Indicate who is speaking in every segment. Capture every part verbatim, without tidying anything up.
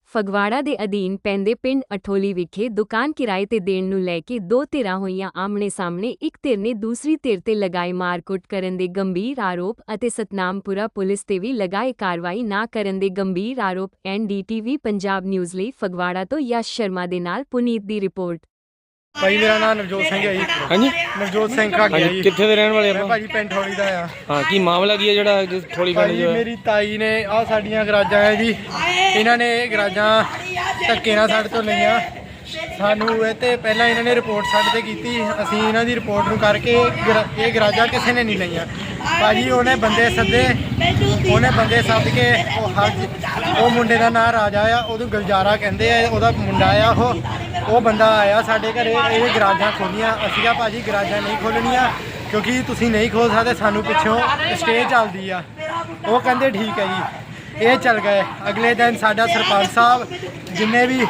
Speaker 1: ਫਗਵਾੜਾ ਦੇ ਅਧੀਨ ਪੈਂਦੇ ਪਿੰਡ ਅਠੋਲੀ ਵਿਖੇ ਦੁਕਾਨ ਕਿਰਾਏ ਤੇ ਦੇਣ ਨੂੰ ਲੈ ਕੇ ਦੋ ਧਿਰਾਂ ਹੋਈਆਂ ਆਮਣੇ ਸਾਹਮਣੇ। ਇੱਕ ਧਿਰ ਨੇ ਦੂਸਰੀ ਧਿਰ ਤੇ ਲਗਾਏ ਮਾਰਕੁੱਟ ਕਰਨ ਦੇ ਗੰਭੀਰ ਆਰੋਪ ਅਤੇ ਸਤਨਾਮਪੁਰਾ ਪੁਲਿਸ ਤੇ ਵੀ ਲਗਾਏ ਕਾਰਵਾਈ ਨਾ ਕਰਨ ਦੇ ਗੰਭੀਰ ਆਰੋਪ। N D T V Punjab news ਲਈ ਫਗਵਾੜਾ ਤੋਂ ਯਸ਼ ਸ਼ਰਮਾ ਦੇ ਨਾਲ ਪੁਨੀਤ ਦੀ ਰਿਪੋਰਟ।
Speaker 2: ਭਾਈ ਮੇਰਾ ਨਾਮ ਨਵਜੋਤ ਸਿੰਘ ਹੈ ਜੀ।
Speaker 3: ਹਾਂਜੀ
Speaker 2: ਨਵਜੋਤ ਸਿੰਘ ਕਾਗਿਆ ਜੀ।
Speaker 3: ਕਿੱਥੇ ਦੇ ਰਹਿਣ ਵਾਲੇ ਆਪਾਂ?
Speaker 2: ਭਾਜੀ ਪਿੰਡ ਠੋਲੀ ਦਾ ਆ।
Speaker 3: ਹਾਂ, ਕੀ ਮਾਮਲਾ ਕੀ ਹੈ ਜਿਹੜਾ ਠੋਲੀ ਪਿੰਡ
Speaker 2: ਭਾਜੀ
Speaker 3: ਜੋ ਹੈ?
Speaker 2: ਮੇਰੀ ਤਾਈ ਨੇ ਆ ਸਾਡੀਆਂ ਗਰਾਜਾਂ ਹੈ ਜੀ, ਇਹਨਾਂ ਨੇ ਇਹ ਗਰਾਜਾਂ ਧੱਕੇ ਨਾਲ ਸਾਡੇ ਤੋਂ ਲਈਆਂ। ਸਾਨੂੰ ਇਹ ਤੇ ਪਹਿਲਾਂ ਇਹਨਾਂ ਨੇ ਰਿਪੋਰਟ ਸਾਡੇ ਤੇ ਕੀਤੀ, ਅਸੀਂ ਇਹਨਾਂ ਦੀ ਰਿਪੋਰਟ ਨੂੰ ਕਰਕੇ ਇਹ ਗਰਾਜਾਂ ਕਿਸੇ ਨੇ ਨਹੀਂ ਲਈਆਂ। ਭਾਜੀ ਉਹਨੇ ਬੰਦੇ ਸੱਦੇ, ਉਹਨੇ ਬੰਦੇ ਸੱਦ ਕੇ ਉਹ ਹਰ ਉਹ ਮੁੰਡੇ ਦਾ ਨਾਂ ਰਾਜਾ ਆ, ਉਹਨੂੰ ਗੁਲਜ਼ਾਰਾ ਕਹਿੰਦੇ ਆ, ਉਹਦਾ ਮੁੰਡਾ ਆ ਉਹ ਉਹ ਬੰਦਾ ਆਇਆ ਸਾਡੇ ਘਰੇ। ਇਹ ਗਰਾਜਾਂ ਖੋਲੀਆਂ। ਅਸੀਂ ਕਿਹਾ ਭਾਜੀ ਗਰਾਜਾਂ ਨਹੀਂ ਖੋਲਣੀਆਂ ਕਿਉਂਕਿ ਤੁਸੀਂ ਨਹੀਂ ਖੋਲ ਸਕਦੇ, ਸਾਨੂੰ ਪਿੱਛੋਂ ਸਟੇ ਚੱਲਦੀ ਆ। ਉਹ ਕਹਿੰਦੇ ਠੀਕ ਹੈ ਜੀ। ਇਹ ਚੱਲ ਗਏ। ਅਗਲੇ ਦਿਨ ਸਾਡਾ ਸਰਪੰਚ ਸਾਹਿਬ ਜਿੰਨੇ ਵੀ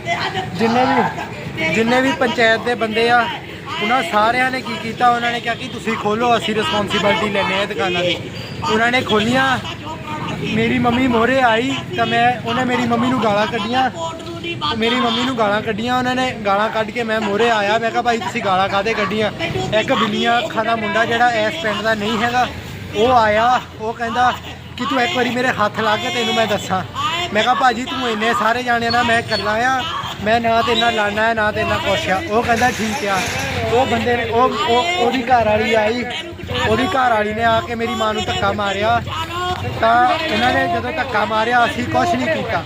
Speaker 2: ਜਿੰਨੇ ਵੀ ਜਿੰਨੇ ਵੀ ਪੰਚਾਇਤ ਦੇ ਬੰਦੇ ਆ, ਉਹਨਾਂ ਸਾਰਿਆਂ ਨੇ ਕੀ ਕੀਤਾ, ਉਹਨਾਂ ਨੇ ਕਿਹਾ ਕਿ ਤੁਸੀਂ ਖੋਲੋ, ਅਸੀਂ ਰਿਸਪੌਂਸਿਬਿਲਟੀ ਲੈਂਦੇ ਹਾਂ ਦੁਕਾਨਾਂ ਦੀ। ਉਹਨਾਂ ਨੇ ਖੋਲੀਆਂ। ਮੇਰੀ ਮੰਮੀ ਮੋਹਰੇ ਆਈ ਤਾਂ ਮੈਂ ਉਹਨੇ ਮੇਰੀ ਮੰਮੀ ਨੂੰ ਗਾਲਾਂ ਕੱਢੀਆਂ ਮੇਰੀ ਮੰਮੀ ਨੂੰ ਗਾਲਾਂ ਕੱਢੀਆਂ ਉਹਨਾਂ ਨੇ ਗਾਲਾਂ ਕੱਢ ਕੇ ਮੈਂ ਮੋਹਰੇ ਆਇਆ। ਮੈਂ ਕਿਹਾ ਭਾਈ ਤੁਸੀਂ ਗਾਲਾਂ ਕਾਹਦੇ ਕੱਢੀਆਂ? ਇੱਕ ਬਿੱਲੀਆਂ ਅੱਖਾਂ ਦਾ ਮੁੰਡਾ ਜਿਹੜਾ ਇਸ ਪਿੰਡ ਦਾ ਨਹੀਂ ਹੈਗਾ, ਉਹ ਆਇਆ। ਉਹ ਕਹਿੰਦਾ ਕਿ ਤੂੰ ਇੱਕ ਵਾਰੀ ਮੇਰੇ ਹੱਥ ਲਾ ਕੇ ਤੈਨੂੰ ਮੈਂ ਦੱਸਾਂ। ਮੈਂ ਕਿਹਾ ਭਾਜੀ ਤੂੰ ਇੰਨੇ ਸਾਰੇ ਜਾਣੇ ਨਾਲ ਮੈਂ ਇਕੱਲਾ ਆ, ਮੈਂ ਨਾ ਤੇ ਇੰਨਾ ਲੜਨਾ ਹੈ ਨਾ ਤੇ ਇੰਨਾ ਕੁਛ ਆ। ਉਹ ਕਹਿੰਦਾ ਠੀਕ ਆ। ਉਹ ਬੰਦੇ ਨੇ ਉਹ ਉਹਦੀ ਘਰ ਵਾਲੀ ਆਈ, ਉਹਦੀ ਘਰ ਵਾਲੀ ਨੇ ਆ ਕੇ ਮੇਰੀ ਮਾਂ ਨੂੰ ਧੱਕਾ ਮਾਰਿਆ। ਤਾਂ ਇਹਨਾਂ ਨੇ ਜਦੋਂ ਧੱਕਾ ਮਾਰਿਆ ਅਸੀਂ ਕੁਛ ਨਹੀਂ ਕੀਤਾ,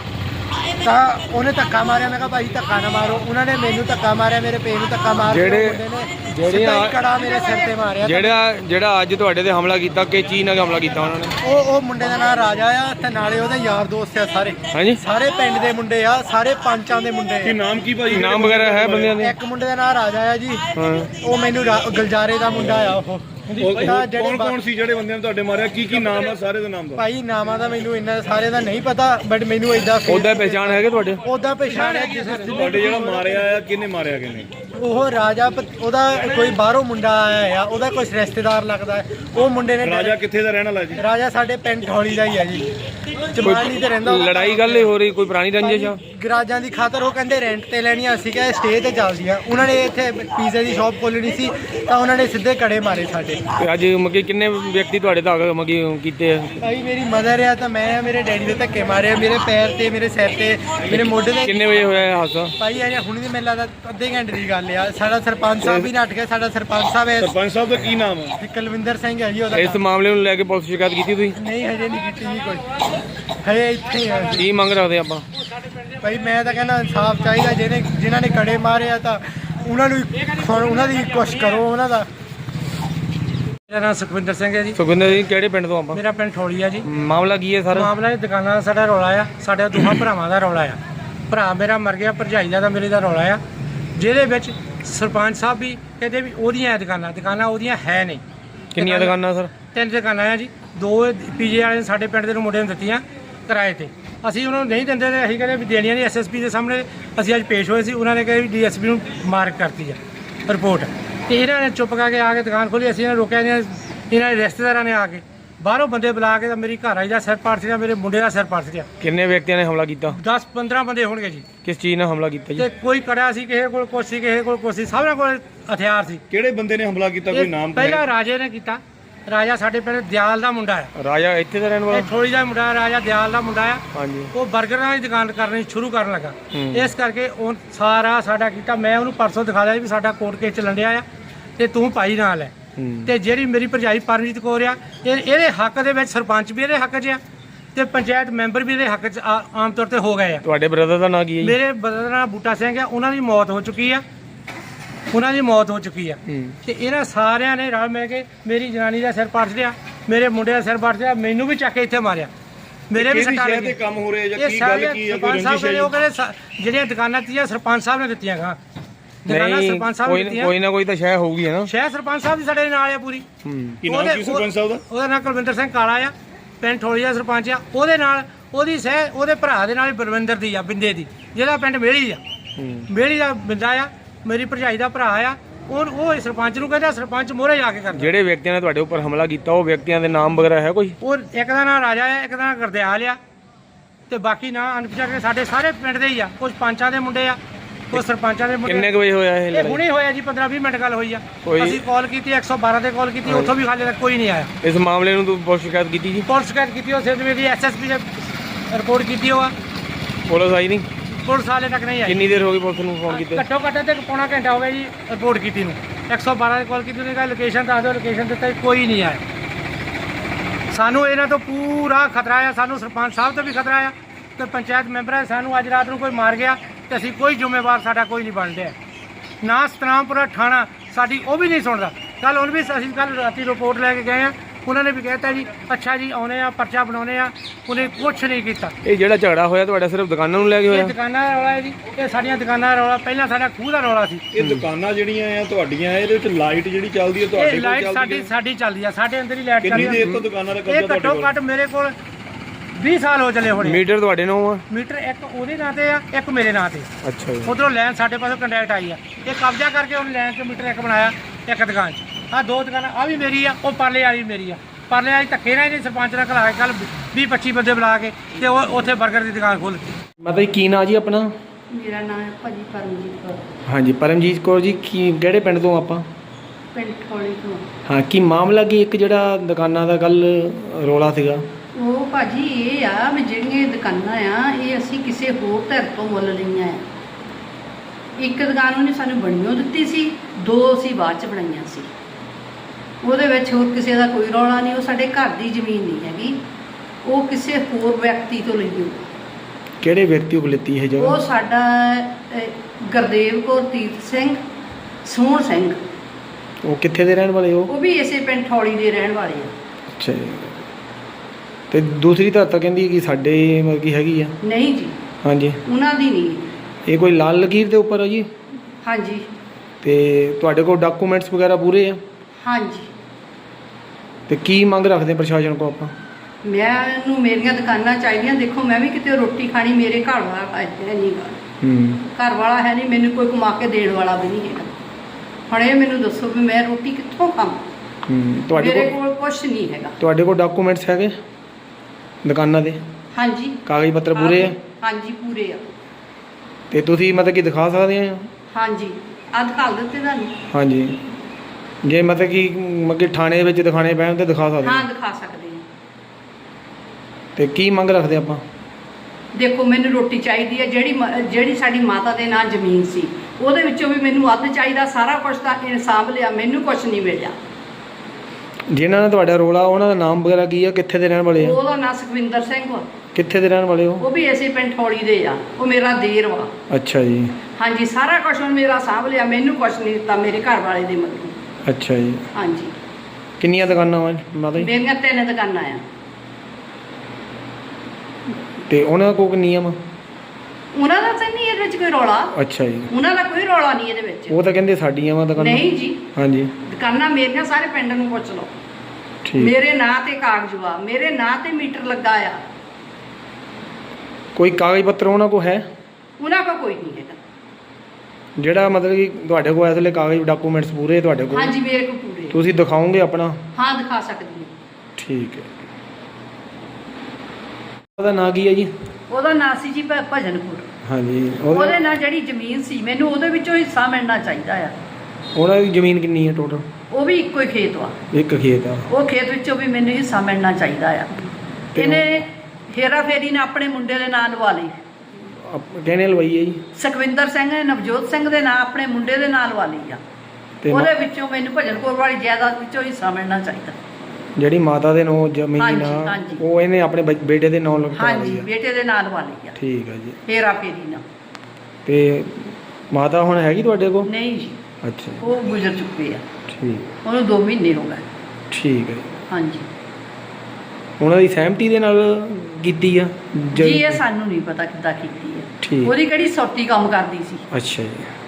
Speaker 2: ਤਾਂ ਉਹਨੇ ਧੱਕਾ ਮਾਰਿਆ। ਮੈਂ ਕਿਹਾ ਭਾਈ ਧੱਕਾ ਨਾ ਮਾਰੋ। ਉਹਨਾਂ ਨੇ ਮੈਨੂੰ ਧੱਕਾ ਮਾਰਿਆ, ਮੇਰੇ ਪੇ ਨੂੰ ਧੱਕਾ ਮਾਰਿਆ।
Speaker 3: ਜਿਹੜੇ ਜਿਹੜੀਆਂ
Speaker 2: ਕੜਾ ਮੇਰੇ ਸਿਰ ਤੇ ਮਾਰਿਆ।
Speaker 3: ਜਿਹੜਾ ਜਿਹੜਾ ਅੱਜ ਤੁਹਾਡੇ ਤੇ ਹਮਲਾ ਕੀਤਾ, ਕਿ ਚੀਜ਼ ਨਾਲ ਹਮਲਾ ਕੀਤਾ ਉਹਨਾਂ ਨੇ?
Speaker 2: ਉਹ ਉਹ ਮੁੰਡੇ ਦਾ ਨਾਮ ਰਾਜਾ ਆ ਤੇ ਨਾਲੇ ਉਹਦੇ ਯਾਰ ਦੋਸਤ ਆ ਸਾਰੇ।
Speaker 3: ਹਾਂਜੀ,
Speaker 2: ਸਾਰੇ ਪਿੰਡ ਦੇ ਮੁੰਡੇ ਆ, ਸਾਰੇ ਪੰਚਾਂ ਦੇ ਮੁੰਡੇ।
Speaker 4: ਕੀ ਨਾਮ ਕੀ ਭਾਜੀ?
Speaker 3: ਨਾਮ ਵਗੈਰਾ ਹੈ ਬੰਦਿਆਂ ਦੇ?
Speaker 2: ਇੱਕ ਮੁੰਡੇ ਦਾ ਨਾਮ ਰਾਜਾ ਆ ਜੀ।
Speaker 3: ਹਾਂ,
Speaker 2: ਉਹ ਮੈਨੂੰ ਗੁਲਜ਼ਾਰੇ ਦਾ ਮੁੰਡਾ ਆ। ਉਹ
Speaker 4: ਕੌਣ ਕੌਣ ਸੀ ਜਿਹੜੇ ਬੰਦਿਆਂ ਨੇ ਤੁਹਾਡੇ ਮਾਰਿਆ? ਕੀ ਕੀ ਨਾਮ ਆ ਸਾਰੇ ਦਾ ਨਾਮ ਦਾ?
Speaker 2: ਭਾਈ ਨਾਮਾਂ ਦਾ ਮੈਨੂੰ ਇੰਨਾ ਸਾਰੇ ਦਾ ਨਹੀਂ ਪਤਾ, ਬਟ ਮੈਨੂੰ ਏਦਾਂ
Speaker 3: ਉਹਦਾ ਪਹਿਚਾਣ ਹੈਗੇ ਤੁਹਾਡੇ?
Speaker 2: ਉਹਦਾ ਪਛਾਣ ਹੈ ਜਿਸ
Speaker 4: ਤੁਹਾਡੇ ਜਿਹੜਾ ਮਾਰਿਆ ਆ ਕਿਹਨੇ ਮਾਰਿਆ ਕਿਹਨੇ?
Speaker 2: ਉਹ ਰਾਜਾ ਪ- ਉਹਦਾ ਕੋਈ ਬਾਹਰੋਂ ਮੁੰਡਾ ਆਇਆ ਆ, ਉਹਦਾ ਕੋਈ ਰਿਸ਼ਤੇਦਾਰ ਲੱਗਦਾ ਹੈ। ਉਹ ਮੁੰਡੇ ਨੇ
Speaker 4: ਰਾਜਾ ਕਿੱਥੇ ਦਾ ਰਹਿਣ ਵਾਲਾ ਜੀ?
Speaker 2: ਰਾਜਾ ਸਾਡੇ ਪਿੰਡ ਠੋਲੀ ਦਾ ਹੀ ਆ ਜੀ, ਚਮਾਲੀ ਤੇ ਰਹਿੰਦਾ।
Speaker 3: ਲੜਾਈ ਗੱਲ ਹੀ ਹੋ ਰਹੀ, ਕੋਈ ਪੁਰਾਣੀ ਰੰਜਿਸ਼ ਆ?
Speaker 2: ਗਰਾਜਾਂ ਦੀ ਖਾਤਰ ਉਹ ਕਹਿੰਦੇ ਰੈਂਟ ਤੇ ਲੈਣੀਆਂ, ਅਸੀਂ ਕਿਹਾ ਸਟੇ ਤੇ ਚੱਲਦੀਆਂ। ਉਹਨਾਂ ਨੇ ਇੱਥੇ ਪੀਜ਼ੇ ਦੀ ਸ਼ਾਪ ਖੋਲਣੀ ਸੀ ਤਾਂ ਉਹਨਾਂ ਨੇ ਸਿੱਧੇ ਕੜੇ ਮਾਰੇ ਸਾਡੇ।
Speaker 3: ਤੇ ਅੱਜ ਮਗੀ ਕਿੰਨੇ ਵਿਅਕਤੀ ਤੁਹਾਡੇ ਤੱਕ ਮਗੀ ਕੀਤੇ ਆ?
Speaker 2: ਭਾਈ ਮੇਰੀ ਮਦਰ ਆ ਤਾਂ ਮੈਂ ਆ, ਮੇਰੇ ਡੈਡੀ ਦੇ ਧੱਕੇ ਮਾਰੇ, ਮੇਰੇ ਪੈਰ ਤੇ, ਮੇਰੇ ਸਿਰ ਤੇ, ਮੇਰੇ ਮੋਢੇ ਤੇ।
Speaker 3: ਕਿੰਨੇ ਵਜੇ ਹੋਇਆ ਇਹ ਹਾਦਸਾ?
Speaker 2: ਭਾਈ ਅਜੇ ਹੁਣੀ ਦੇ ਮੈਨੂੰ ਲੱਗਦਾ ਅੱਧੇ ਘੰਟੇ ਦੀ ਗੱਲ ਆ। ਸਾਡਾ ਸਰਪੰਚ ਸਾਹਿਬ ਵੀ ਨੱਠ ਗਿਆ। ਸਾਡਾ ਸਰਪੰਚ ਸਾਹਿਬ ਹੈ
Speaker 4: ਸਰਪੰਚ ਸਾਹਿਬ ਦਾ ਕੀ ਨਾਮ ਆ?
Speaker 2: ਕੁਲਵਿੰਦਰ ਸਿੰਘ ਹੈ ਜੀ ਉਹਦਾ।
Speaker 3: ਇਸ ਮਾਮਲੇ ਨੂੰ ਲੈ ਕੇ ਪੁਲਿਸ ਸ਼ਿਕਾਇਤ ਕੀਤੀ ਤੁਸੀਂ?
Speaker 2: ਨਹੀਂ ਹਜੇ ਨਹੀਂ ਕੀਤੀ ਜੀ ਕੋਈ, ਹਜੇ ਇੱਥੇ ਹੀ ਆ।
Speaker 3: ਕੀ ਮੰਗ ਰੱਖਦੇ ਆਪਾਂ?
Speaker 2: ਭਾਈ ਮੈਂ ਤਾਂ ਕਹਿੰਦਾ ਇਨਸਾਫ ਚਾਹੀਦਾ। ਜਿਹਨੇ ਜਿਨ੍ਹਾਂ ਨੇ ਕੜੇ ਮਾਰੇ ਆ ਤਾਂ ਉਹਨਾਂ ਨੂੰ ਹੁਣ ਉਹਨਾਂ ਦੀ ਕੁਛ ਕਰੋ ਉਹਨਾਂ ਦਾ। ਮੇਰਾ ਨਾਮ ਸੁਖਵਿੰਦਰ ਸਿੰਘ ਹੈ ਜੀ।
Speaker 3: ਸੁਖਵਿੰਦਰ ਜੀ, ਕਿਹੜੇ ਪਿੰਡ ਤੋਂ ਆਪਾਂ?
Speaker 2: ਮੇਰਾ ਪਿੰਡ ਠੋਲੀ ਆ ਜੀ।
Speaker 3: ਮਾਮਲਾ ਕੀ ਹੈ ਸਰ?
Speaker 2: ਮਾਮਲਾ ਇਹ ਦੁਕਾਨਾਂ ਦਾ ਸਾਡਾ ਰੌਲਾ ਆ, ਸਾਡੇ ਦੋਹਾਂ ਭਰਾਵਾਂ ਦਾ ਰੌਲਾ ਆ। ਭਰਾ ਮੇਰਾ ਮਰ ਗਿਆ, ਭਰਜਾਈ ਦਾ ਤਾਂ ਮੇਰੇ ਦਾ ਰੌਲਾ ਆ, ਜਿਹਦੇ ਵਿੱਚ ਸਰਪੰਚ ਸਾਹਿਬ ਵੀ ਕਹਿੰਦੇ ਵੀ ਉਹਦੀਆਂ ਦੁਕਾਨਾਂ ਦੁਕਾਨਾਂ ਉਹਦੀਆਂ ਹੈ ਨਹੀਂ।
Speaker 3: ਕਿੰਨੀਆਂ ਦੁਕਾਨਾਂ ਸਰ?
Speaker 2: ਤਿੰਨ ਦੁਕਾਨਾਂ ਆ ਜੀ। ਦੋ ਪੀਜੇ ਵਾਲੇ ਨੇ ਸਾਡੇ ਪਿੰਡ ਦੇ ਨੂੰ ਮੁੰਡੇ ਨੂੰ ਦਿੱਤੀਆਂ ਕਿਰਾਏ ਤੇ, ਅਸੀਂ ਉਹਨਾਂ ਨੂੰ ਨਹੀਂ ਦਿੰਦੇ ਤੇ ਅਸੀਂ ਕਹਿੰਦੇ ਵੀ ਦੇਣੀਆਂ ਨਹੀਂ। ਐਸ ਐਸ ਪੀ ਦੇ ਸਾਹਮਣੇ ਅਸੀਂ ਅੱਜ ਪੇਸ਼ ਹੋਏ ਸੀ, ਉਹਨਾਂ ਨੇ ਕਿਹਾ ਵੀ ਡੀ ਐਸ ਪੀ ਨੂੰ ਮਾਰਕ ਕਰਤੀ ਆ ਰਿਪੋਰਟ। ਤੇ ਇਹਨਾਂ ਨੇ ਚੁੱਪ ਕਰਕੇ ਆ ਕੇ ਦੁਕਾਨ ਖੋਲੀ। ਅਸੀਂ ਇਹਨਾਂ ਨੂੰ ਰੋਕਿਆ ਨਹੀਂ। ਇਹਨਾਂ ਦੇ ਰਿਸ਼ਤੇਦਾਰਾਂ ਨੇ ਆ ਕੇ ਬਾਹਰੋਂ ਬੰਦੇ ਬੁਲਾ ਕੇ ਤਾਂ ਮੇਰੀ ਘਰ ਵਾਲੀ ਦਾ ਸਿਰ ਪਾੜ ਸੀਗਾ, ਮੇਰੇ ਮੁੰਡੇ ਦਾ ਸਿਰ ਪਾੜ ਸੀਗਾ।
Speaker 3: ਕਿੰਨੇ ਵਿਅਕਤੀਆਂ ਨੇ ਹਮਲਾ ਕੀਤਾ?
Speaker 2: ਦਸ ਪੰਦਰਾਂ ਬੰਦੇ ਹੋਣਗੇ ਜੀ।
Speaker 3: ਕਿਸ ਚੀਜ਼ ਨਾਲ ਹਮਲਾ ਕੀਤਾ ਜੀ?
Speaker 2: ਤੇ ਕੋਈ ਕੜਿਆ ਸੀ, ਕਿਸੇ ਕੋਲ ਕੁਛ ਸੀ, ਕਿਸੇ ਕੋਲ ਕੁਛ ਸੀ, ਸਭਨਾਂ ਕੋਲ ਹਥਿਆਰ ਸੀ।
Speaker 4: ਕਿਹੜੇ ਬੰਦੇ ਨੇ ਹਮਲਾ ਕੀਤਾ? ਕੋਈ ਨਾਮ?
Speaker 2: ਪਹਿਲਾਂ ਰਾਜੇ ਨੇ ਕੀਤਾ। ਰਾਜਾ ਸਾਡੇ ਪਿੰਡ ਦਿਆਲ ਦਾ ਮੁੰਡਾ ਆ।
Speaker 3: ਰਾਜਾ ਇੱਥੇ ਦਾ ਰਹਿਣ ਵਾਲਾ?
Speaker 2: ਇਹ ਥੋੜੀ ਦਾ ਮੁੰਡਾ, ਰਾਜਾ ਦਿਆਲ ਦਾ ਮੁੰਡਾ ਆ।
Speaker 3: ਹਾਂਜੀ।
Speaker 2: ਉਹ 버ਗਰਾਂ ਦੀ ਦੁਕਾਨ ਕਰਨੀ ਸ਼ੁਰੂ ਕਰਨ ਲੱਗਾ। ਇਸ ਕਰਕੇ ਉਹ ਸਾਰਾ ਸਾਡਾ ਕੀਤਾ। ਮੈਂ ਉਹਨੂੰ ਪਰਸੋਂ ਦਿਖਾ ਦਿਆ ਵੀ ਸਾਡਾ ਕੋਰਟ ਕੇਸ ਚੱਲਣ ਡਿਆ ਆ ਤੇ ਤੂੰ ਭਾਈ ਨਾਲ ਹੈ। ਤੇ ਜਿਹੜੀ ਮੇਰੀ ਭਰਜਾਈ ਪਰਮਜੀਤ ਕੌਰ ਆ, ਇਹ ਇਹਦੇ ਹੱਕ ਦੇ ਵਿੱਚ ਸਰਪੰਚ ਵੀ ਇਹਦੇ ਹੱਕ 'ਚ ਆ ਤੇ ਪੰਚਾਇਤ ਮੈਂਬਰ ਵੀ ਇਹਦੇ ਹੱਕ 'ਚ ਆ- ਆਮ ਤੌਰ ਤੇ ਹੋ ਗਏ ਆ।
Speaker 3: ਤੁਹਾਡੇ ਬ੍ਰਦਰ ਦਾ ਨਾਂ ਕੀ ਹੈ ਜੀ?
Speaker 2: ਮੇਰੇ ਬ੍ਰਦਰ ਦਾ ਨਾਮ ਬੂਟਾ ਸਿੰਘ ਆ। ਉਹਨਾਂ ਦੀ ਮੌਤ ਹੋ ਚੁੱਕੀ ਆ। ਉਹਨਾਂ ਦੀ ਮੌਤ ਹੋ ਚੁੱਕੀ ਆ। ਤੇ ਇਹਨਾਂ ਸਾਰਿਆਂ ਨੇ ਰਲ ਮਿਲ ਕੇ ਮੇਰੀ ਜਨਾਨੀ ਦਾ ਸਿਰ ਪੱਟ ਲਿਆ, ਮੇਰੇ ਮੁੰਡੇ ਦਾ ਸਿਰ ਪੱਟ ਲਿਆ, ਮੈਨੂੰ ਵੀ ਚੱਕ ਕੇ ਇੱਥੇ ਮਾਰਿਆ। ਮੇਰੇ ਵੀ ਸੱਟਾਂ
Speaker 4: ਲੱਗੀਆਂ। ਕੰਮ ਹੋ ਰਹੇ ਜਾਂ
Speaker 2: ਇਹ
Speaker 4: ਕੀ ਗੱਲ
Speaker 2: ਸਾਰੇ
Speaker 4: ਕੀ ਹੈ?
Speaker 2: ਸਰਪੰਚ ਸਾਹਿਬ ਕਹਿੰਦੇ, ਉਹ ਕਹਿੰਦੇ ਸਾ- ਜਿਹੜੀਆਂ ਦੁਕਾਨਾਂ ਤੀਆਂ ਸਰਪੰਚ ਸਾਹਿਬ ਨੇ ਦਿੱਤੀਆਂ ਗਾ। ਦੁਕਾਨਾਂ
Speaker 3: ਨਹੀਂ,
Speaker 2: ਸਰਪੰਚ ਸਾਹਿਬ ਨੇ
Speaker 3: ਕੋਈ
Speaker 2: ਦਿੱਤੀਆਂ।
Speaker 3: ਕੋਈ ਨਾ ਕੋਈ ਤਾਂ ਸ਼ਾਇਦ ਹੋਊਗੀ ਹੈ ਨਾ।
Speaker 2: ਸ਼ਹਿਰ ਸਰਪੰਚ ਸਾਹਿਬ ਦੀ ਸਾਡੇ ਨਾਲ ਆ ਪੂਰੀ।
Speaker 4: ਕੀ ਨਾਮ ਕੀ ਸਰਪੰਚ ਸਾਹਿਬ ਦਾ?
Speaker 2: ਉਹਦਾ ਨਾਮ ਕੁਲਵਿੰਦਰ ਸਿੰਘ ਕਾਲਾ ਆ, ਪਿੰਡ ਠੋਲੀ ਦਾ ਸਰਪੰਚ ਆ। ਉਹਦੇ ਨਾਲ ਉਹਦੀ ਸਹਿ ਉਹਦੇ ਭਰਾ ਦੇ ਨਾਲ ਬਲਵਿੰਦਰ ਦੀ ਆ, ਬਿੰਦੇ ਦੀ, ਜਿਹਦਾ ਪਿੰਡ ਮੇਲੀ ਆ। ਮੇਲੀ ਦਾ ਬਿੰਦਾ ਆ, ਮੇਰੀ ਭਰਜਾਈ ਦਾ ਭਰਾ ਆ। ਉਹ ਉਹ ਸਰਪੰਚ ਨੂੰ ਕਹਿੰਦਾ, ਸਰਪੰਚ ਮੋਹਰੇ ਜਾ ਕੇ ਕਰਦਾ।
Speaker 3: ਜਿਹੜੇ ਵਿਅਕਤੀਆਂ ਨੇ ਤੁਹਾਡੇ ਉੱਪਰ ਹਮਲਾ ਕੀਤਾ ਉਹ ਵਿਅਕਤੀਆਂ ਦੇ ਨਾਮ ਵਗੈਰਾ ਹੈ ਕੋਈ?
Speaker 2: ਉਹ ਇੱਕ ਦਾ ਨਾਮ ਰਾਜਾ ਆ, ਇੱਕ ਦਾ ਨਾਮ ਗੁਰਦਿਆਲ ਆ, ਤੇ ਬਾਕੀ ਨਾ ਅਣਪਛਾਤੇ ਸਾਡੇ ਸਾਰੇ ਪਿੰਡ ਦੇ ਹੀ ਆ, ਕੁਝ ਪੰਚਾਂ ਦੇ ਮੁੰਡੇ ਆ, ਕੁਝ ਸਰਪੰਚਾਂ ਦੇ ਮੁੰਡੇ।
Speaker 3: ਕਿੰਨੇ ਕੁ ਵਜੇ ਹੋਇਆ ਇਹ
Speaker 2: ਇਹ
Speaker 3: ਲੜਾਈ?
Speaker 2: ਹੁਣੇ ਹੋਇਆ ਜੀ, ਪੰਦਰਾਂ ਵੀਹ ਮਿੰਟ ਗੱਲ ਹੋਈ ਆ।
Speaker 3: ਕੋਈ-
Speaker 2: ਅਸੀਂ ਕਾਲ ਕੀਤੀ ਇੱਕ ਸੌ ਬਾਰਾਂ ਤੇ ਕਾਲ ਕੀਤੀ, ਉੱਥੋਂ ਵੀ ਹਾਲੇ ਤੱਕ ਕੋਈ ਨਹੀਂ ਆਇਆ।
Speaker 3: ਇਸ ਮਾਮਲੇ ਨੂੰ ਤੂੰ ਪੁਲਿਸ ਸ਼ਿਕਾਇਤ ਕੀਤੀ ਜੀ?
Speaker 2: ਪੁਲਿਸ ਸ਼ਿਕਾਇਤ ਕੀਤੀ, ਉਹ ਸਿਰਫ ਮੇਰੀ ਐਸ ਐਸ ਪੀ ਨੇ ਰਿਪੋਰਟ ਕੀਤੀ ਉਹ ਆ,
Speaker 3: ਪੁਲਿਸ ਆਈ ਨਹੀਂ?
Speaker 2: ਪੁਲਿਸ ਹਾਲੇ ਤੱਕ ਨਹੀਂ ਆਈ।
Speaker 3: ਕਿੰਨੀ ਦੇਰ ਹੋ ਗਈ ਪੁਲਿਸ ਨੂੰ ਫੋਨ ਕੀਤੇ?
Speaker 2: ਘੱਟੋ ਘੱਟ ਤੇ ਪੌਣਾ ਘੰਟਾ ਹੋ ਗਿਆ ਜੀ ਰਿਪੋਰਟ ਕੀਤੀ ਨੂੰ। ਇੱਕ ਸੌ ਬਾਰਾਂ ਤੇ ਕਾਲ ਕੀਤੀ, ਉਹਨੇ ਕਿਹਾ ਲੋਕੇਸ਼ਨ ਦੱਸ ਦਿਓ, ਲੋਕੇਸ਼ਨ ਦਿੱਤਾ, ਕੋਈ ਨਹੀਂ ਆਇਆ। ਸਾਨੂੰ ਇਹਨਾਂ ਤੋਂ ਪੂਰਾ ਖਤਰਾ ਆ, ਸਾਨੂੰ ਸਰਪੰਚ ਸਾਹਿਬ ਤੋਂ ਵੀ ਖਤਰਾ ਆ ਤੇ ਪੰਚਾਇਤ ਮੈਂਬਰ ਹੈ। ਸਾਨੂੰ ਅੱਜ ਰਾਤ ਨੂੰ ਕੋਈ ਮਾਰ ਗਿਆ ਤੇ ਅਸੀਂ ਕੋਈ ਜ਼ਿੰਮੇਵਾਰ ਸਾਡਾ ਕੋਈ ਨਹੀਂ ਬਣ ਰਿਹਾ। ਨਾ ਸਤਨਾਮਪੁਰਾ ਥਾਣਾ ਸਾਡੀ ਉਹ ਵੀ ਨਹੀਂ ਸੁਣਦਾ। ਕੱਲ ਹੁਣ ਵੀ ਅਸੀਂ ਕੱਲ ਰਾਤੀ ਰਿਪੋਰਟ ਲੈ ਕੇ ਗਏ ਆ, ਉਹਨਾਂ ਨੇ ਵੀ ਕਹਿਤਾ ਜੀ ਅੱਛਾ ਜੀ ਆਉਣੇ ਆ, ਪਰਚਾ ਬਣਾਉਣੇ ਆ, ਉਹਨੇ ਕੁਛ ਨਹੀਂ ਕੀਤਾ।
Speaker 3: ਇਹ ਜਿਹੜਾ ਝਗੜਾ ਹੋਇਆ ਤੁਹਾਡਾ ਸਿਰਫ ਦੁਕਾਨਾਂ ਨੂੰ ਲੈ ਕੇ
Speaker 2: ਇਹ
Speaker 3: ਹੋਇਆ?
Speaker 2: ਦੁਕਾਨਾਂ ਦਾ ਰੌਲਾ ਹੈ ਜੀ, ਇਹ ਸਾਡੀਆਂ ਦੁਕਾਨਾਂ ਦਾ ਰੌਲਾ। ਪਹਿਲਾਂ ਸਾਡਾ ਖੂਹ ਦਾ ਰੌਲਾ ਸੀ।
Speaker 4: ਇਹ ਦੁਕਾਨਾਂ ਜਿਹੜੀਆਂ ਆ ਤੁਹਾਡੀਆਂ, ਇਹਦੇ ਵਿੱਚ ਲਾਈਟ ਜਿਹੜੀ ਚੱਲਦੀ ਹੈ ਤੁਹਾਡੇ
Speaker 2: ਇਹ
Speaker 4: ਕੋਲ
Speaker 2: ਲਾਈਟ
Speaker 4: ਚੱਲਦੀ
Speaker 2: ਸਾਡੀ
Speaker 4: ਹੈ?
Speaker 2: ਸਾਡੀ ਚੱਲਦੀ ਆ, ਸਾਡੇ ਅੰਦਰ ਹੀ ਲਾਈਟ
Speaker 4: ਕਿੰਨੀ
Speaker 2: ਚੱਲਦੀ
Speaker 4: ਦੇਰ ਤੋਂ ਦੁਕਾਨਾਂ ਦਾ ਕਬਜ਼ਾ
Speaker 2: ਇਹ
Speaker 4: ਤੁਹਾਡੇ
Speaker 2: ਘੱਟੋ
Speaker 4: ਕੋਲ?
Speaker 2: ਘੱਟ ਮੇਰੇ ਕੋਲ ਵੀਹ ਸਾਲ ਹੋ ਚਲੇ ਹੋਣੇ।
Speaker 3: ਮੀਟਰ ਤੁਹਾਡੇ ਨੂੰ ਆ?
Speaker 2: ਮੀਟਰ ਇੱਕ ਉਹਦੇ ਨਾਂ ਤੇ ਆ, ਇੱਕ ਮੇਰੇ ਨਾਂ ਤੇ।
Speaker 3: ਅੱਛਾ ਜੀ।
Speaker 2: ਉਧਰੋਂ ਲੈਣ ਸਾਡੇ ਪਾਸੋਂ ਕੰਡਕਟ ਆਈ ਆ, ਇਹ ਕਬਜ਼ਾ ਕਰਕੇ ਉਹਨੇ ਲੈਣ 'ਚ ਮੀਟਰ ਇੱਕ ਬਣਾਇਆ, ਇੱਕ ਦੁਕਾਨ 'ਚ। ਆਹ ਦੋ ਦੁਕਾਨਾਂ, ਆ ਵੀ ਮੇਰੀ ਆ, ਉਹ ਪਰਲੇ ਵਾਲੀ ਵੀ ਮੇਰੀ ਆ। ਪਰਲੇ ਵਾਲੀ ਧੱਕੇ ਨਾਲ ਇਹਨੇ ਸਰਪੰਚ ਨਾਲ ਘਲਾ ਕੇ ਕੱਲ ਵੀਹ ਪੱਚੀ ਬੰਦੇ ਬੁਲਾ ਕੇ ਤੇ ਉਹ ਉੱਥੇ 버ਗਰ ਦੀ ਦੁਕਾਨ ਖੋਲ੍ਹ ਦਿੱਤੀ।
Speaker 3: ਮਤਲਬ ਕੀ ਨਾਂ ਜੀ ਆਪਣਾ?
Speaker 5: ਮੇਰਾ ਨਾਮ ਹੈ ਭਾਜੀ ਪਰਮਜੀਤ ਕੌਰ,
Speaker 3: ਹਾਂਜੀ, ਪਰਮਜੀਤ ਕੌਰ ਜੀ। ਕੀ ਕਿਹੜੇ ਪਿੰਡ ਤੋਂ ਆਪਾਂ?
Speaker 5: ਪਿੰਡ ਠੋਲੀ ਤੋਂ।
Speaker 3: ਹਾਂ, ਕੀ ਮਾਮਲਾ ਕੀ ਇੱਕ ਜਿਹੜਾ ਦੁਕਾਨਾਂ ਦਾ ਕੱਲ ਰੌਲਾ ਸੀਗਾ?
Speaker 5: ਉਹ ਭਾਜੀ ਇਹ ਆ ਵੀ ਜਿਹੜੀਆਂ ਇਹ ਦੁਕਾਨਾਂ ਆ, ਇਹ ਅਸੀਂ ਕਿਸੇ ਹੋਰ ਧਿਰ ਤੋਂ ਮੁੱਲ ਲਈਆਂ ਆ। ਇੱਕ ਦੁਕਾਨ ਉਹਨੇ ਸਾਨੂੰ ਬਣੀਓ ਦਿੱਤੀ ਸੀ, ਦੋ ਅਸੀਂ ਬਾਅਦ ਚ ਬਣਾਈਆਂ ਸੀ। ਉਹਦੇ ਵਿੱਚ ਹੋਰ ਕਿਸੇ ਦਾ ਕੋਈ ਰੌਲਾ ਨਹੀਂ, ਉਹ ਸਾਡੇ ਘਰ ਦੀ ਜ਼ਮੀਨ ਨਹੀਂ ਹੈਗੀ, ਉਹ ਕਿਸੇ ਹੋਰ ਵਿਅਕਤੀ ਤੋਂ ਲਈ ਹੋਈ।
Speaker 3: ਕਿਹੜੇ ਵਿਅਕਤੀ ਕੋਲ ਲਿੱਤੀ ਇਹ
Speaker 5: ਉਹ
Speaker 3: ਜਗ੍ਹਾ?
Speaker 5: ਸਾਡਾ ਅਹ, ਗੁਰਦੇਵ ਕੌਰ ਤੀਰਥ ਸਿੰਘ, ਸੋਹਣ ਸਿੰਘ,
Speaker 3: ਉਹ ਕਿੱਥੇ ਦੇ ਰਹਿਣ ਵਾਲੇ? ਉਹ
Speaker 5: ਉਹ ਵੀ ਇਸੇ ਪਿੰਡ ਠੋਲੀ ਦੇ ਰਹਿਣ ਵਾਲੇ ਆ।
Speaker 3: ਅੱਛਾ ਜੀ। ਤੇ ਦੂਸਰੀ ਧਿਰ ਤਾਂ ਕਹਿੰਦੀ ਕਿ ਸਾਡੇ ਮਤਲਬ ਕੀ ਹੈਗੀ ਆ?
Speaker 5: ਨਹੀਂ ਜੀ,
Speaker 3: ਹਾਂਜੀ।
Speaker 5: ਉਹਨਾਂ ਦੀ ਨਹੀਂ।
Speaker 3: ਇਹ ਕੋਈ ਲਾਲ ਲਕੀਰ ਦੇ ਉੱਪਰ ਆ ਜੀ?
Speaker 5: ਹਾਂਜੀ
Speaker 3: ਤੇ ਤੁਹਾਡੇ ਕੋਲ ਡਾਕੂਮੈਂਟਸ ਵਗੈਰਾ ਪੂਰੇ ਆ?
Speaker 5: ਹਾਂਜੀ।
Speaker 3: ਤੇ ਕੀ ਮੰਗ ਰੱਖਦੇ ਪ੍ਰਸ਼ਾਸਨ ਕੋਲ ਆਪਾਂ?
Speaker 5: ਮੈਨੂੰ ਮੇਰੀਆਂ ਦੁਕਾਨਾਂ ਚਾਹੀਦੀਆਂ। ਦੇਖੋ ਮੈਂ ਵੀ ਕਿਤੇ ਰੋਟੀ ਖਾਣੀ, ਮੇਰੇ ਘਰ ਵਾਲਾ ਹੈ ਨਹੀਂ ਗਾ,
Speaker 3: ਹੂੰ।
Speaker 5: ਘਰ ਵਾਲਾ ਹੈ ਨਹੀਂ, ਮੈਨੂੰ ਕੋਈ ਕਮਾ ਕੇ ਦੇਣ ਵਾਲਾ ਵੀ ਨਹੀਂ ਹੈਗਾ। ਹੁਣ ਇਹ ਮੈਨੂੰ ਦੱਸੋ ਵੀ ਮੈਂ ਰੋਟੀ ਕਿੱਥੋਂ ਖਾਵਾਂ?
Speaker 3: ਹੂੰ। ਤੁਹਾਡੇ
Speaker 5: ਮੇਰੇ
Speaker 3: ਕੋਲ
Speaker 5: ਕੋਲ ਕੁਛ ਨਹੀਂ ਹੈਗਾ।
Speaker 3: ਤੁਹਾਡੇ ਕੋਲ ਡਾਕੂਮੈਂਟਸ ਹੈਗੇ ਦੁਕਾਨਾਂ ਦੇ?
Speaker 5: ਹਾਂਜੀ
Speaker 3: ਕਾਗਜ਼ ਪੱਤਰ ਪੂਰੇ ਆ?
Speaker 5: ਹਾਂਜੀ ਪੂਰੇ ਆ।
Speaker 3: ਤੇ ਤੁਸੀਂ ਮਤਲਬ ਕਿ ਦਿਖਾ ਸਕਦੇ ਆ?
Speaker 5: ਹਾਂਜੀ ਆਹ ਦਿਖਾ ਦਿੱਤੇ ਤੁਹਾਨੂੰ।
Speaker 3: ਹਾਂਜੀ, ਜੇ ਮਤਲਬ ਕਿ ਮੱਗੇ ਥਾਣੇ ਵਿੱਚ ਦਿਖਾਣੇ ਪੈਣ ਤੇ ਦਿਖਾ ਸਕਦੇ
Speaker 5: ਹਾਂ
Speaker 3: ਆ?
Speaker 5: ਦਿਖਾ ਸਕਦੇ ਆ।
Speaker 3: ਤੇ ਕੀ ਮੰਗ ਰੱਖਦੇ ਆਪਾਂ?
Speaker 5: ਦੇਖੋ ਮੈਨੂੰ ਰੋਟੀ ਚਾਹੀਦੀ ਹੈ, ਜਿਹੜੀ ਮ- ਜਿਹੜੀ ਸਾਡੀ ਮਾਤਾ ਦੇ ਨਾਂ ਜ਼ਮੀਨ ਸੀ, ਉਹਦੇ ਵਿੱਚੋਂ ਵੀ ਮੈਨੂੰ ਅੱਧ ਚਾਹੀਦਾ। ਸਾਰਾ ਕੁਛ ਤਾਂ ਇਨਸਾਫ ਲਿਆ, ਮੈਨੂੰ ਕੁਛ ਨਹੀਂ ਮਿਲਿਆ।
Speaker 3: ਜਿਨ੍ਹਾਂ ਨਾਲ ਤੁਹਾਡਾ ਰੋਲਾ, ਉਹਨਾਂ ਦਾ ਨਾਮ ਵਗੈਰਾ ਕੀ ਆ? ਕਿੱਥੇ ਦੇ ਰਹਿਣ ਵਾਲੇ ਆ?
Speaker 5: ਉਹਦਾ ਨਾਂ ਸੁਖਵਿੰਦਰ ਸਿੰਘ ਵਾ,
Speaker 3: ਕਿੱਥੇ ਦੇ ਰਹਿਣ ਵਾਲੇ ਹੋ?
Speaker 5: ਉਹ ਵੀ ਇਸੇ ਪਿੰਡ ਠੋਲੀ ਦੇ ਆ। ਉਹ ਮੇਰਾ ਦੇਰ ਵਾ।
Speaker 3: ਅੱਛਾ ਜੀ।
Speaker 5: ਹਾਂਜੀ ਸਾਰਾ ਕੁਛ ਹੁਣ ਮੇਰਾ ਸਾਂਭ ਲਿਆ, ਮੈਨੂੰ ਕੁਛ ਨਹੀਂ ਦਿੱਤਾ ਮੇਰੇ ਘਰ ਵਾਲੇ ਦੇ ਮਤਲਬ।
Speaker 3: ਅੱਛਾ ਜੀ।
Speaker 5: ਹਾਂਜੀ
Speaker 3: ਕਿੰਨੀਆਂ ਦੁਕਾਨਾਂ ਵਾ ਮਾਤਾ ਜੀ?
Speaker 5: ਮੇਰੀਆਂ ਤਿੰਨ ਦੁਕਾਨਾਂ ਆ।
Speaker 3: ਤੇ ਉਹਨਾਂ ਕੋਲ ਕਿੰਨੀਆਂ ਵਾ?
Speaker 5: ਉਹਨਾਂ ਦਾ ਤਾਂ ਨਹੀਂ ਇਹਦੇ ਵਿੱਚ ਕੋਈ ਰੌਲਾ,
Speaker 3: ਅੱਛਾ ਜੀ।
Speaker 5: ਉਹਨਾਂ ਦਾ ਕੋਈ ਰੌਲਾ ਨਹੀਂ ਇਹਦੇ ਵਿੱਚ।
Speaker 3: ਉਹ ਤਾਂ ਕਹਿੰਦੇ ਸਾਡੀਆਂ ਵਾ ਦੁਕਾਨਾਂ।
Speaker 5: ਨਹੀਂ ਜੀ,
Speaker 3: ਹਾਂਜੀ
Speaker 5: ਦੁਕਾਨਾਂ ਮੇਰੀਆਂ, ਸਾਰੇ ਪਿੰਡ ਨੂੰ ਪੁੱਛ ਲਓ।
Speaker 3: ਠੀਕ।
Speaker 5: ਮੇਰੇ ਨਾਂ ਤੇ ਕਾਗਜ਼ ਵਾ, ਮੇਰੇ ਨਾਂ ਤੇ ਮੀਟਰ ਲੱਗਾ ਆ।
Speaker 3: ਕੋਈ ਕਾਗਜ਼ ਪੱਤਰ ਉਹਨਾਂ ਕੋਲ ਹੈ
Speaker 5: ਉਹਨਾਂ ਕੋਲ ਕੋਈ ਨਹੀਂ ਹੈਗਾ।
Speaker 3: ਜਿਹੜਾ ਮਤਲਬ ਕਿ ਤੁਹਾਡੇ ਕੋਲ ਇਸ ਵੇਲੇ ਕਾਗਜ਼ ਡਾਕੂਮੈਂਟਸ ਪੂਰੇ ਤੁਹਾਡੇ ਕੋਲ?
Speaker 5: ਹਾਂਜੀ ਮੇਰੇ ਕੋਲ ਪੂਰੇ।
Speaker 3: ਤੁਸੀਂ ਦਿਖਾਓਗੇ ਆਪਣਾ?
Speaker 5: ਹਾਂ ਦਿਖਾ ਸਕਦੀ ਹਾਂ।
Speaker 3: ਠੀਕ ਹੈ। ਉਹਦਾ ਨਾਂ ਕੀ ਹੈ ਜੀ?
Speaker 5: ਉਹਦਾ ਨਾਂ ਸੀ ਜੀ ਭ- ਭਜਨਪੁਰ।
Speaker 3: ਹਾਂਜੀ।
Speaker 5: ਉਹਦੇ ਨਾਲ ਜਿਹੜੀ ਜ਼ਮੀਨ ਸੀ, ਮੈਨੂੰ ਉਹਦੇ ਵਿੱਚੋਂ ਹਿੱਸਾ ਮਿਲਣਾ ਚਾਹੀਦਾ ਆ।
Speaker 3: ਉਹਨਾਂ ਦੀ ਜ਼ਮੀਨ ਕਿੰਨੀ ਹੈ ਟੋਟਲ?
Speaker 5: ਉਹ ਵੀ ਇੱਕੋ ਹੀ ਖੇਤ ਵਾ।
Speaker 3: ਇੱਕ ਖੇਤ ਆ।
Speaker 5: ਉਹ ਖੇਤ ਵਿੱਚੋਂ ਵੀ ਮੈਨੂੰ ਹਿੱਸਾ ਮਿਲਣਾ ਚਾਹੀਦਾ ਆ।
Speaker 3: ਤੇ
Speaker 5: ਇਹਨੇ ਹੇਰਾ ਫੇਰੀ ਨੇ ਆਪਣੇ ਮੁੰਡੇ ਦੇ ਨਾਂ ਲਵਾ ਲਈ।
Speaker 3: ਆਪ- ਕਹਿਣੇ ਲਵਾਈ ਹੈ ਜੀ?
Speaker 5: ਸੁਖਵਿੰਦਰ ਸਿੰਘ ਨੇ ਨਵਜੋਤ ਸਿੰਘ ਦੇ ਨਾਂ ਆਪਣੇ ਮੁੰਡੇ ਦੇ ਨਾਂ ਲਵਾ ਲਈ ਆ।
Speaker 3: ਤੇ
Speaker 5: ਉਹਦੇ ਵਿੱਚੋਂ ਮੈਨੂੰ ਭਜਨਪੁਰ ਵਾਲੀ ਜਾਇਦਾਦ ਵਿੱਚੋਂ ਹਿੱਸਾ ਮਿਲਣਾ ਚਾਹੀਦਾ।
Speaker 3: ਜਿਹੜੀ ਮਾਤਾ ਦੇ ਨਾਂ ਜ਼ਮੀਨ
Speaker 5: ਹਾਂਜੀ,
Speaker 3: ਆ,
Speaker 5: ਹਾਂਜੀ।
Speaker 3: ਉਹ ਇਹਨੇ ਆਪਣੇ ਬੱਚ- ਬੇਟੇ ਦੇ ਨਾਂ ਲਿਖਵਾ
Speaker 5: ਹਾਂਜੀ
Speaker 3: ਲਈ ਆ?
Speaker 5: ਬੇਟੇ ਦੇ ਨਾਂ ਲਵਾ ਲਈ ਆ।
Speaker 3: ਠੀਕ ਹੈ ਜੀ।
Speaker 5: ਹੇਰਾ ਫੇਰੀ ਨਾਲ।
Speaker 3: ਤੇ ਮਾਤਾ ਹੁਣ ਹੈਗੀ ਤੁਹਾਡੇ ਕੋਲ?
Speaker 5: ਨਹੀਂ ਜੀ,
Speaker 3: ਅੱਛਾ
Speaker 5: ਉਹ ਗੁਜ਼ਰ ਚੁੱਕੇ ਆ।
Speaker 3: ਠੀਕ।
Speaker 5: ਉਹਨੂੰ ਦੋ ਮਹੀਨੇ ਹੋ ਗਏ।
Speaker 3: ਠੀਕ ਹੈ।
Speaker 5: ਹਾਂਜੀ
Speaker 3: ਉਹਨਾਂ ਦੀ ਸਹਿਮਤੀ ਦੇ ਨਾਲ ਕੀਤੀ ਆ?
Speaker 5: ਜੀ ਇਹ ਸਾਨੂੰ ਨਹੀਂ ਪਤਾ ਕਿੱਦਾਂ ਕੀਤੀ ਹੈ।
Speaker 3: ਠੀਕ।
Speaker 5: ਉਹਦੀ ਕਿਹੜੀ ਸੌਤੀ ਕੰਮ ਕਰਦੀ ਸੀ।
Speaker 3: ਅੱਛਾ ਜੀ।